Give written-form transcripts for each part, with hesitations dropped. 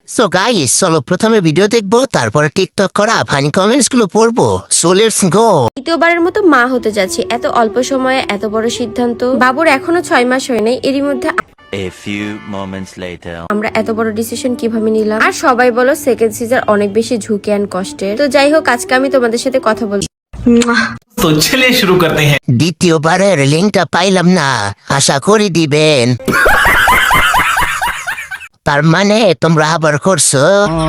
So guys, চলো প্রথমে video দেখবো, তারপরে টিকটক করা ফানি কমেন্টস গুলো পড়বো। So let's go. দ্বিতীয়বারের মতো মা হতে যাচ্ছি, এত অল্প সময়ে এত বড় সিদ্ধান্ত। বাবুর এখনো 6 মাস হয় নাই, এরই মধ্যে A few moments later. আমরা এত বড় ডিসিশন কিভাবে নিলাম। আর সবাই বলো সেকেন্ড সিজার অনেক বেশি ঝুঁকি এন্ড কষ্টের। তো যাই হোক, আজকে আমি তোমাদের সাথে কথা বলবো। तो चलिए शुरू करते हैं। দ্বিতীয়বারের লিঙ্কটা পাইলাম না, আশা করি দিবেন। তার মানে তোমরা আবার করছো?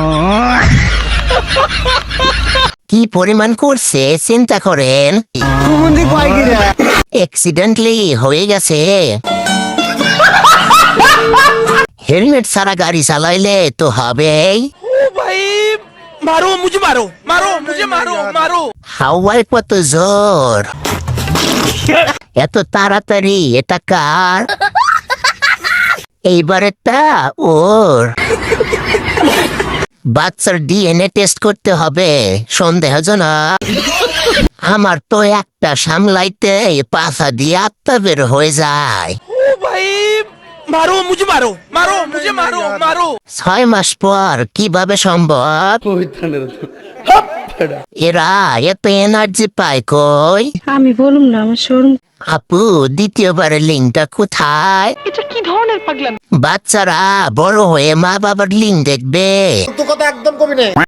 কি পরিমাণ করছে চিন্তা করেন। অ্যাক্সিডেন্টলি হয়ে গেছে। হেলমেট ছাড়া গাড়ি চালাইলে তো হবেই। मारो मुझे, मारो मारो मुझे, मारो मारो। হাওয়ায় কত জোর, এত তাড়াতাড়ি। এটা কার? এইবারেরটা ওর। বাচ্চার ডিএনএ টেস্ট করতে হবে, সন্দেহজনক। আমার তো একটা সামলাইতে পাছা দিয়ে আত্মা বের হয়ে যায়। मारो मुझे, मारो मारो मुझे, मारो मारो। 6 মাস পর কিভাবে সম্ভব? এরা এত এনার্জি পায় কই? আমি বলুম না, আমার শোরুম। আপু, দ্বিতীয়বারের লিঙ্কটা কোথায়? এটা কি ধরনের পাগলামি? বাচ্চারা বড় হয়ে মা বাবার লিঙ্ক দেখবে।